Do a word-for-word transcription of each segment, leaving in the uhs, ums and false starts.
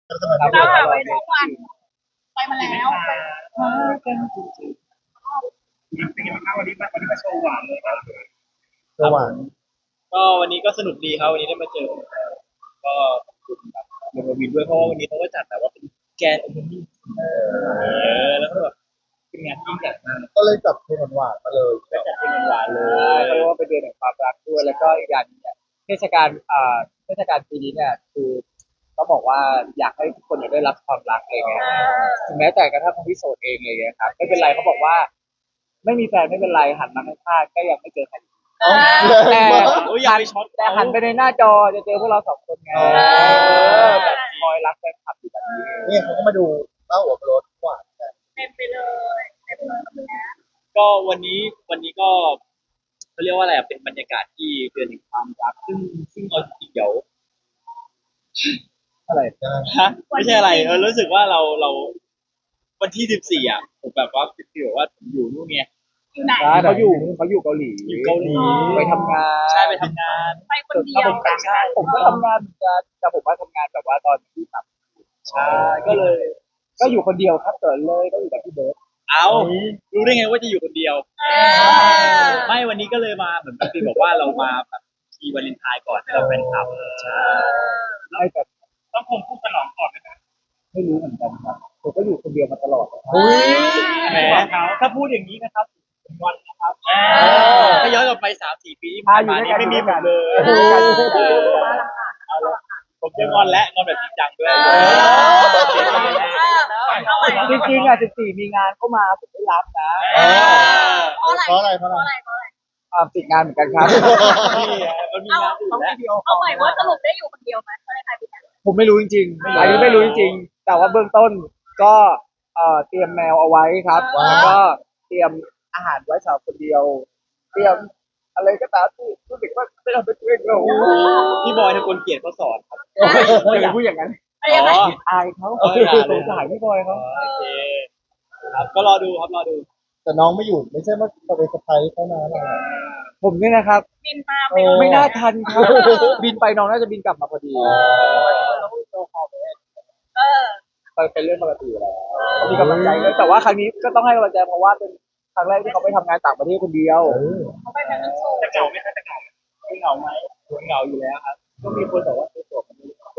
แล้วทำไมไม่เราเดินหาไว้ทุกวันไปมาแล้วไปเป็นยังไงบ้างวันนี้มาวันนี้มาโชว์หวานเลยครับระหว่างก็วันนี้ก็สนุกดีครับวันนี้ได้มาเจอก็ขอบคุณแบบเดอะวินด้วยเพราะว่าวันนี้เขาก็จัดแบบว่าเป็นแกนโอเพนนิ่งเออแล้วก็แบบเป็นงานที่ใหญ่มากก็เลยจับเพลงหวานๆมาเลยก็จัดเป็นหวานเลยเพราะว่าเป็นเดือนแห่งความรักด้วยแล้วก็อีกอย่างเนี่ยเทศกาลอ่าเทศกาลปีนี้เนี่ยคือต้องบอกว่าอยากให้ทุกคนเนี่ยได้รับความรักอะไรเงี้ยถึงแม้แต่กระทั่งคนที่โสดเองเลยนะครับไม่เป็นไรเขาบอกว่าไม่มีแฟนไม่เป็นไรหันมาข้างๆก็ยังไม่เจอใครแต่โอ้ยอย่าไปช็อตแต่หันไปในหน้าจอจะเจอพวกเราสองคนไงแบบคอยรักแฟนคลับอยู่แบบนี้เนี่ยเขาก็มาดูเต้าหัวรถหวานกันเต็มไปเลยเต็มเลยแบบนี้ก็วันนี้วันนี้ก็เขาเรียกว่าอะไรเป็นบรรยากาศที่เดือนแห่งความรักซึ่งซึ่งเอาจริงๆเดี๋ยวอะไรฮะไม่ใช่อะไรเออรู้สึกว่าเราเราวันที่สิบสี่อ่ะผมแบบว่าคือแบบว่าอยู่นู่นไงอยู่ไหนเขาอยู่เขาอยู่เกาหลีอยู่เกาหลีไปทำงานใช่ไปทำงานไปคนเดียวใช่ผมก็ทำงานเหมือนกันแต่ผมว่าทำงานแบบว่าตอนที่แบบใช่ก็เลย ก็อยู่คนเดียวครับเกิดเลยก็อยู่กับพี่เบิร์ดเอารู้ได้ไงว่าจะอยู่คนเดียวไม่วันนี้ก็เลยมาเหมือนพี่บอกว่าเรามาแบบทีวาเลนไทน์ก่อนให้เราเป็นคลับใช่ไม่แต่ต้องคงพูดฉลองก่อนไหมครับไม่รู้เหมือนกันครับผมก็อยู่คนเดียวมาตลอดแหมถ้าพูดอย่างนี้นะครับเป็นวันนะครับถ้าย้อนกลับไปสามสี่ปีที่ผ่านมานี้ไม่มีผมเลยเอาละผมจะงอนและงอนแบบจริงจังด้วยจริงๆอ่ะสิบสี่มีงานเข้ามาผมไม่รับนะเพราะอะไรเพราะอะไรเพราะอะไรอ่าติดงานเหมือนกันครับนี่มันมีงานอื่นแล้วเอาใหม่ว่าสรุปได้อยู่คนเดียวไหมอะไรใครเป็นผมไม่รู้จริงๆอันนี้ไม่รู้จริงๆแต่ว่าเบื้องต้นก็เอ่อเตรียมแมวเอาไว้ครับแล้วก็เตรียมอาหารไว้สำหรับคนเดียวเตรียมอะไรก็ตามที่รู้สึกว่าไม่ทำเป็นตัวเองเราพี่บอยเป็นคนเกลียดเขาสอนครับไม่อยากพูดอย่างนั้นอ๋ออายเขาสงสารพี่บอยเขาโอเคครับก็รอดูครับรอดูแต่น้องไม่อยู่ไม่ใช่ว่าเราไปสะพายเขานะอะไรผมเนี่ยนะครับบินมาไม่น่าทันครับบินไปน้องน่าจะบินกลับมาพอดีเออเป็นเรื่องปกติแล้วมีกำลังใจเลยแต่ว่าครั้งนี้ก็ต้องให้กำลังใจเพราะว่าเป็นครั้งแรกที่เขาไปทำงานต่างประเทศคนเดียวเขาไปเป็นโชว์จะเหงาไหมคะจะเหงาไม่เหงาไหมเหงาอยู่แล้วครับก็มีคนบอกว่าตัวตัว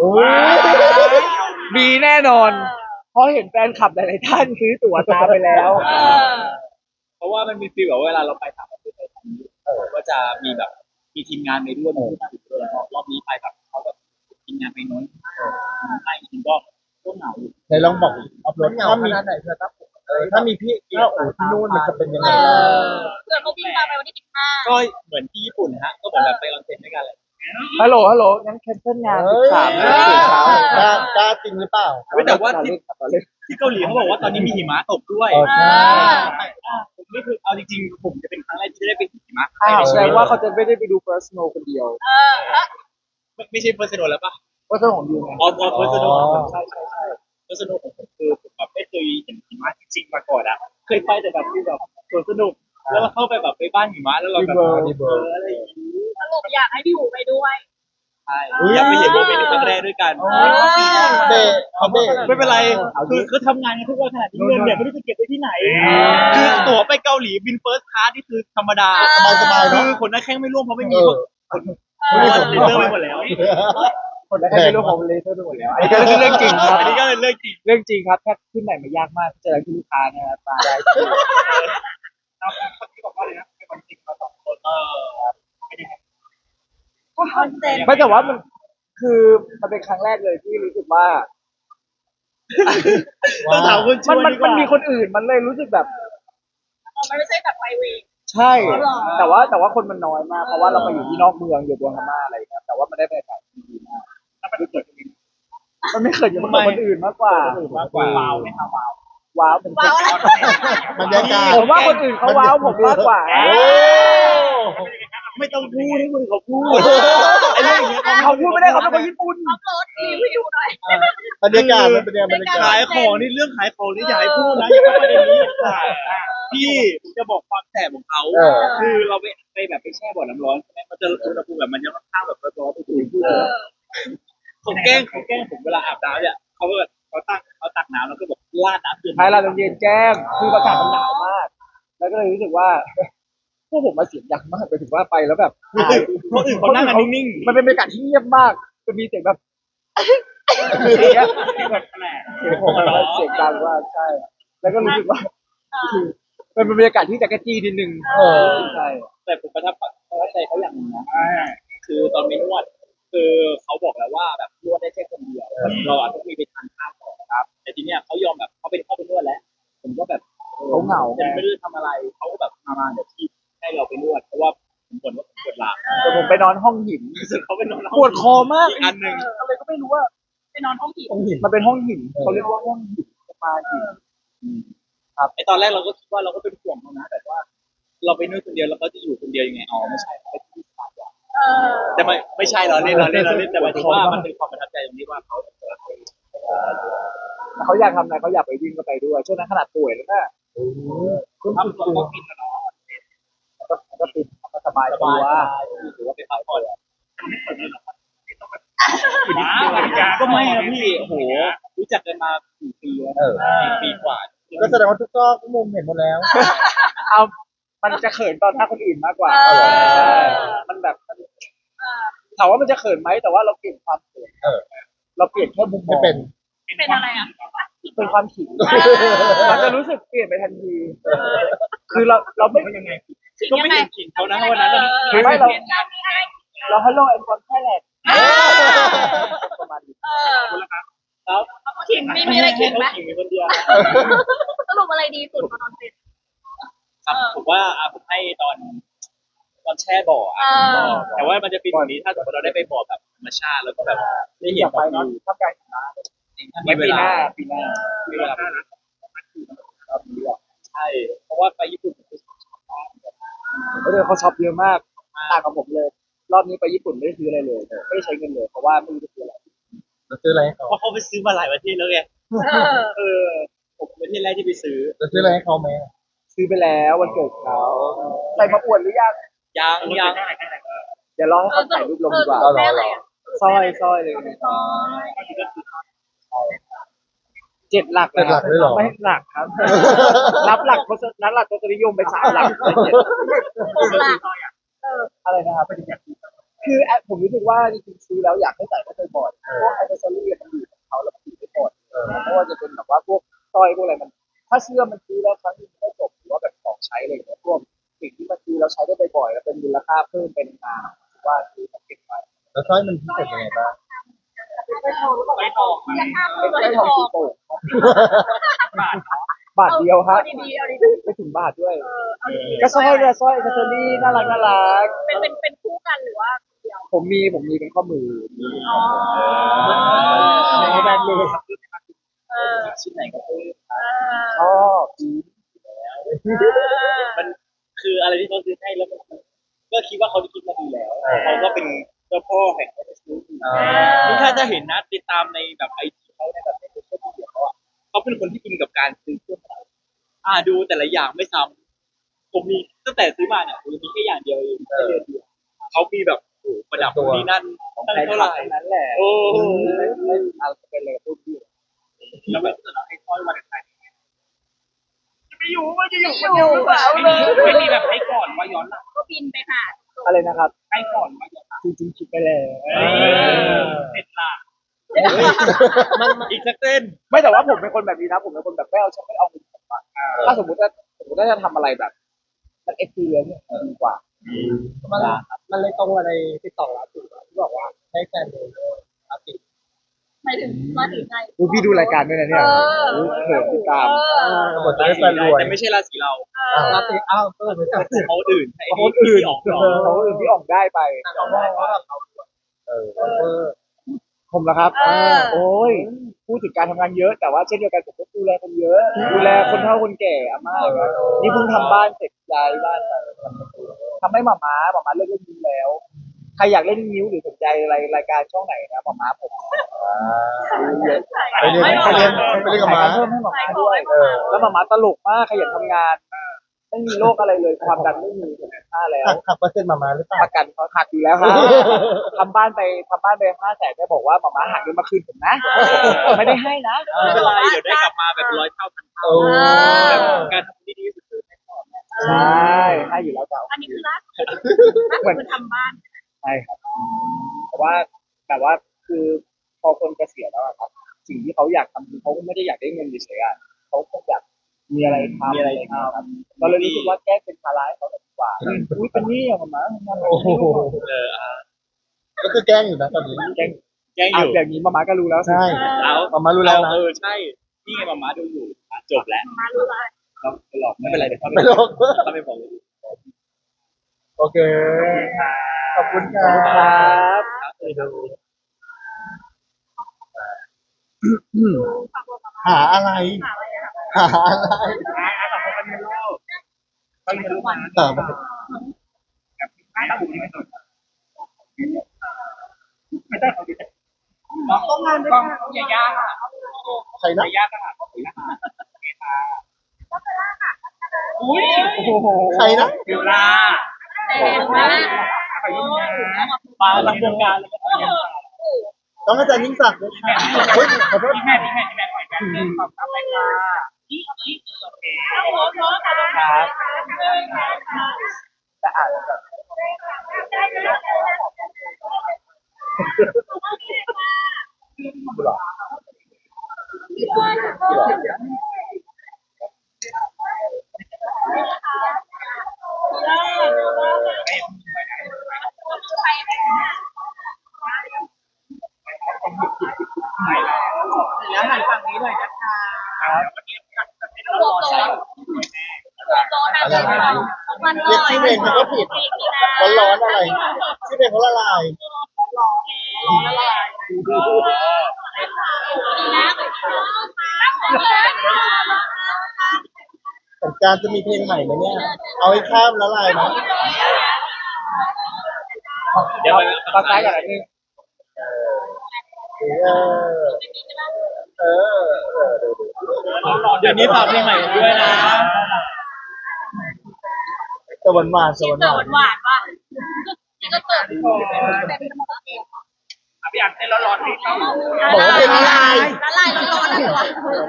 มีแน่นอนเพราะเห็นแฟนคลับหลายๆท่านซื้อตั๋วตามไปแล้วเพราะว่ามันมีฟีลแบบเวลาเราไปต่างประเทศก็จะมีแบบมีทีมงานไปด้วยรอบนี้ไปแบบเขาแบบทีมงานไปน้อยไม่จริงก็ก็เหงาอยู่ในลองบอกอัพโหลดถ้ามีถ้ามีพี่ถ้าโอ้ที่นู่นมันจะเป็นยังไงเพื่อนเขาบินมาไปวันที่สิบห้าก็เหมือนที่ญี่ปุ่นฮะก็เหมือนแบบไปออนเซ็นด้วยกันเลยฮัลโหลฮัลโหลงั้นแคนเซิลงานสิบสามตื่นเช้ากล้ากล้าจริงหรือเปล่าแต่ว่าที่ที่เกาหลีเขาบอกว่าตอนนี้มีหิมะตกด้วยผมนี่คือเอาจริงๆผมจะเป็นครั้งแรกที่ได้ไปหิมะแสดงว่าเขาจะไม่ได้ไปดู First Snow คนเดียวไม่ใช่ First Snow แล้วป่ะ First Snow ของยูไงอ๋อ First Snow ใช่ใช่ใช่ First Snow ของผมคือผมแบบไม่เคยเห็นหิมะจริงๆมาก่อนอ่ะเคยไปแต่แบบที่แบบสวนสนุกแล้วเราเข้าไปแบบไปบ้านหิมะแล้วเราแบบเอออะไรอย่างนี้สรุปอยากให้พี่หูไปด้วยใช่อยากไปเห็นโมเมนต์ครั้งแรกด้วยกันเบะเขาเบะไม่เป็นไรคือเขาทำงานกันทุกวันขนาดนี้เงินเนี่ยไม่รู้จะเก็บไว้ที่ไหนคือตั๋วไปเกาหลีบินเฟิร์สคลาสนี่คือธรรมดาสบายๆเนาะคือคนนักแข่งไม่ร่วมเพราะไม่มีคนไม่มีคนเลเซอร์ไปหมดแล้วคนนักแข่งไม่ร่วมเพราะเลเซอร์ไปหมดแล้วอันนี้ก็เรื่องจริงครับอันนี้ก็เป็นเรื่องจริงเรื่องจริงครับแค่ขึ้นไหนมายากมากเจอที่ลูกค้าเนี่ยมาได้เอาคนที่บอกว่าเลยนะเป็นคนจริงมาสองคนเออไม่แต่ว่ามันคือมันเป็นครั้งแรกเลยที่รู้สึกว่าต้องถามคนมันมันมันมีคนอื่นมันเลยรู้สึกแบบมันไม่ใช่แบบไปวีใช่แต่ว่าแต่ว่าคนมันน้อยมากเพราะว่าเราไปอยู่ที่นอกเมืองอยู่บนพม่าอะไรครับแต่ว่ามันได้บรรยากาศดีมากมันไม่เกิดมันไม่เคยอยู่กับคนอื่นมากกว่ามากกว่าว้าวไม่ค่ะว้าวว้าวเป็นว้าวบรรยากาศผมว่าคนอื่นเขาว้าวผมมากกว่าไม่ต้องพูดให้คนเขาพูดไอ้เรื่องอย่างเงี้ยเขาพูดไม่ได้เขาเป็นคนญี่ปุ่นอัพโหลดรีวิวหน่อยบรรยากาศมันเป็นยังไงบรรยากาศขายของนี่เรื่องขายของนี่อย่าให้พูดนะอย่าพูดประเด็นนี้พี่จะบอกความแสบของเขาคือเราไปไปแบบไปแช่บ่อน้ำร้อนใช่ไหมมันจะอุณหภูมิแบบมันจะค่อนข้างแบบร้อนๆไปคุยพูดเขาแกล้งเขาแกล้งผมเวลาอาบน้ำเนี่ยเขาก็เขาตั้งเขาตักน้ำแล้วก็แบบราดน้ำเย็นใช่เราเย็นแจ้งคืออากาศมันหนาวมาก แล้วก็เลยรู้สึกว่าพวกผมมาเสียงดังมากไปถึงว่าไปแล้วแบบอายคนอื่นเขานั่งกันนิ่งๆมันเป็นบรรยากาศที่เงียบมากจะมีเสียงแบบอย่างเงี้ยแบบแปลกเสียงผมแบบว่าเสียงดังมากใช่ แล้วก็รู้สึกว่าคือมันเป็นบรรยากาศที่จักรจี้นิดนึงเออใช่แต่ผมประทับประทับใจเขาอย่างหนึงนะคือตอนไปนวดคือเขาบอกแล้วว่าแบบนวดได้แค่คนเดียวเราอาจจะมีไปทานข้าวต่อครับ แต่ทีเนี้ยเขายอมแบบเขาเป็นเข้าไปนวดแล้ว ผมก็แบบออเขาเหงาไงไม่รู้จะทำอะไรเขาก็แบบมามาเดี๋ยวที่ให้เราไปนวดเพราะว่าผมบ่นว่าผมปวดหลังแต่ผมไปนอนห้องหินรู้สึกเขาเป็นนอนปวดคอมากอีกอันหนึ่งอะไรก็ไม่รู้ว่าไปนอนห้องผีต้องหินมันเป็นห้องหินเขาเรียกว่าห้องหินสปาหินไอตอนแรกเราก็คิดว่าเราก็เป็นห่วงเขานะแต่ว่า เราไปนวดคนเดียวแล้วเขาจะอยู่คนเดียวยังไงอ๋อไม่ใช่เขาไปที่สปาก่อนเออแต่ไม่ไม่ใช่เราเล่นเราเล่นเราเล่นแต่หมายถึงว่ามันเป็นความประทับใจตรงที่ว่าเขาเขาอยากทำอะไรเขาอยากไปวิ่งก็ไปด้วยช่วงนั้นขนาดป่วยแล้วนะคุณทำตัวก็กินนะเนาะก็ก็ติดก็สบายสตับาวยถือว่าไปพักผ่อนก็ไม่นะพี่โอ้โหรู้จักกันมาสี่ปีแล้วเออสี่ปีกว่าก็แสดงว่าทุกซอกทุกมุมเห็นหมดแล้วเอามันจะเขินตอนหน้าคนอื่นมากกว่าเออใช่มันแบบมันเออถามว่ามันจะเขินไหมแต่ว่าเราเปลี่ยนความเขินเออเราเปลี่ยนแค่มุมมไม่องเป็นเป็นอะไรอ่ะเป็นความขิงเออมันจะรู้สึกเปลี่ยนไปทันที คือเราเราไม่ยังไงขิงก็ยัไม่งไงเห็นขิงเขานะวันนั้นคือไม่เราเรามีอะไรเราฮัลโหลแอนด์คอนแค่แหละเออประมาณนี้เออครับขิงมีมีอะไรขิงไหมขิงมีคนเดียวสรุปอะไรดีสุดมานอนติดครับผมว่าอ่ะผมให้ตอนตอนแช่บ่อเออ่ะอแต่ว่ามันจะเป็นอย่างนี้ถ้าสมมติเราได้ไปบ่อแบบธรรมชาติแล้วก็แบบได้อเห็นยากไปเนาะถ้าไกลถ้าไว้มีเวปีหลาน้าปีหน้ามีเวลาใช่เพราะว่าไปญี่ปุ่นเออเขาช็อปเยอะมากต่างกับผมเลย รอบนี้ไปญี่ปุ่นไม่ได้ซื้ออะไรเลยไม่ได้ใช้เงินเลยเพราะว่าไม่รู้จะซื้ออะไรเราซื้ออะไรให้เขาเพราะเขาไปซื้อมาหลายประเทศแล้วไงเออเออผมเป็นประเทศแรกที่ไปซื้อเราซื้ออะไรให้เขาไหมซื้อไปแล้ววันเกิดเขาใส่มาอวดหรือยังยังยังเดี๋ยวรอให้เขาถ่ายรูปลงดีกว่าเออแม่อะไรอ่ะสร้อยสร้อยเลยอ๋อเจ็ดหลักเจ็ดหลักเลยเหรอไม่หลักครับ นับหลักทศนับหลักทศนิยมไปสามหลักเป็นเจ็ดหลักเอออะไรนะครับคือแอปผมรู้สึกว่าจริงๆซื้อแล้วอยากให้ใส่ไม่บ่อยๆพวกไอเทอรี่มันอยู่ของเขาแล้วมันอยู่ไม่หมดไม่ว่าจะเป็นแบบว่าพวกสร้อยพวกอะไรมัน ถ้าเสื้อมันซื้อแล้วครั้งนึงไม่จบหรือว่าแบบของใช้อะไรอย่างเงี้ยพวกสิ่งที่มันซื้อแล้วใช้ได้บ่อยๆแล้วเป็นมูลค่าเพิ่มเป็นมาว่าซื้อมาเก็บไว้แล้วสร้อยมันพิเศษยังไงบ้างไปทองไปทองเป็นไปไส้ททององสีโป่งบาทเดียวครับเอาดีๆเอาดีไม่ถึงบาทด้วยๆเออเอาดีๆก็สร้อยเนี่ยสร้อยอิเทอรี่น่ารักน่ารักเป็นเป็นเป็นคู่กันหรือว่าเดียวผมมีผมมีเป็นข้อมือมีอ๋อในแบรนด์เลยเออชิ้นไหนก็ซื้อเอชออบดีมันคืออะไรที่เขาซื้อให้แล้วมันก็คิดว่าเขาคิดมาดีแล้วเขาก็เป็นเจ้าพ่อแห่งการซื้ออ่านี่ถ้าจะเห็นนะติดตามในแบบไอจีเขาในแบบในโซเชียลมีเดียเขาอ่ะเขาเป็นคนที่อินกับการซื้อเครื่องประดับอ่าดูแต่ละอย่างไม่ซ้ำผมมีตั้งแต่ซื้อมาเนี่ยผมมีแค่อย่างเดียวเองแค่เดือนเดียวเขามีแบบโอ้โหประดับนี่นั่นของตั้งใครเท่าไหร่นั้นแหละโอ้โหไม่ไม่อะไรเป็นเลยพูดดีแล้วไม่ต้องให้ค่อยวันไหนไม่อยู่ไม่จะอยู่คนเดียวหรือเปล่าเลยไม่มีแบบให้ก่อนว่าย้อนหลังก็บินไปหาอะไรนะครับให้ก่อนว่าย้อนหลังจริงๆคิดไปแล้วเสร็จละมันอีกสักเต้นไม่แต่ว่าผมเป็นคนแบบนี้นะผมเป็นคนแบบไม่เอาชอบไม่เอาเงินผมอะถ้าสมมติว่าสมมติว่าจะทำอะไรแบบมันเอ็กซ์เพรียนเนี่ยดีกว่ามันมันเลยตรงอะไรติดต่อร้านสุดที่บอกว่าให้แฟนดูร้านติดหมายถึงมาถึงไงอุ๊ยพี่ดูรายการด้วยนะเนี่ยเอออุ๊ยเขินติดตามหมดจะได้แฟนรวยแต่ไม่ใช่ราศีเราร้านติดอ้าวเออไม่ใช่เขาอื่นไอ้คนอื่นออกหรอเขาอื่นที่ออกได้ไปเราได้ว่าเราเออเออผมละครับเออโอ้ยพูดถึงการทำงานเยอะ แต่ว่าเช่นเดียวกันผมก็ดูแลคนเยอะ ดูแลคนเฒ่าคนแก่อาม่าครับนี่เพิ่งทำบ้านเสร็จย้ายบ้านไปทำให้หมาม้าหมาม้าเลิกเล่นนิ้วแล้ว ใครอยากเล่นนิ้วหรือสนใจอะไรรายการช่องไหนนะหมาม้าผมไปเรียนไปเรียนไปเรียนกับหมาเพิ่มให้หมาม้าด้วยเออแล้วหมาม้าตลกมากขยันทำงาน ไม่ไม่มีโรคอะไรเลยความดันไม่มีค่าแล้วหักหักเปอร์เซ็นต์มามาหรือเปล่าประกันเขาหักอยู่แล้วครับทำบ้านไปทำบ้านไปห้าแสนได้บอกว่าหมาม้าหักเงินมาคืนผมนะไม่ได้ให้นะไม่เป็นไรเดี๋ยวได้กลับมาแบบร้อยเท่าพันเท่าโอ้แบบการทำที่ดีที่สุดคือให้พ่อแม่ใช่ให้อยู่แล้วจ้าอันนี้คือล่าสุดล่าสุดคือทำบ้านใช่ครับแต่ว่าแต่ว่าคือพอคนเกษียณแล้วอะครับ สิ่งที่เขาอยากทำคือเขาไม่ได้อยากได้เงินเฉยๆอะเขาคงอยากมีอะไรทำมีอะไรทครับเราเลยรู้สึกว่าแก้เป็นภาระให้เขาดีกว่าอุ้ยเป็นหนี้อะหมาม้าทำงานแบบโอ้โหนี้เอออ่ะก็คือแกล้งอยู่นะตอนนี้แกล้งแกล้งออ่ะยู่อย่างนี้หมาม้าก็รู้แล้วสิใช่เอามามารู้แล้วนะเออใช่นี่ไงมาม่าดูอยู่อ่ะจบแล้วมารู้ละเราไปหลอกไม่เป็นไรเดี๋ยวเขาไม่หรอกเขาไม่บอกเลยโอเค ขอบคุณครัครับ บหาอะไร หาอะไรอ่ะต่อไปเป็นโลกต้องเป็นลูกมันต่อไปไม่ต้องอยู่นี่ไม่ต้องไม่ต้องเขาดิมองต้องงานด้วยกันอย่ายากอ่ะใครอนะย่ายากอ่ะอุ้ยโอ้โหใครนะเวลาแรงมากไปยุ่งนะมาลังวงการเลยต้องอาจารย์ยิ่งศักดิ์ด้วยค่ะเฮ้ยขอโทษพี่แม่พี่แม่พี่แม่หน่อยกันหนึ่งสองสามไปค่ะนี่นี่โอเคโอ้โหโน้ตแต่ละครับแต่อ่านแล้วแบบแล้วหันฝั่งนี้เลยนะคะรวมโน้ตรวมโน้ตอะไรบ้างมันลเรียกอยชื่อเพลงมันก็ผิด ร้อนๆอะไร ชื่อเพลงเขาละลาย สงกรารจะมีเพลงใหม่ไหมเนี่ย เอาให้ข้ามละลายนะเดี๋ยวตอนท้ายก่อนนะนึงเออ เออ เออดูดูเดี๋ยวนี้ฝากเพลงใหม่ด้วยนะสวรรค์หวานสวรรค์เกิหวาดนหวานว่ะนี่ก็เกิดพี่อันเต้นร้อนๆพี่เข้าบอกว่าเพลงละลายละลายร้อนๆอะไรวะ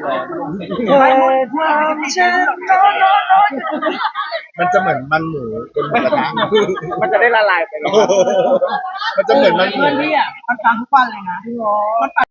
มันจะเหมือนมันหมูเป็นหมูกระทะมันจะได้ละลายไปเลยมันจะเหมือนมันหมูมันฟังทุกวันเลยนะ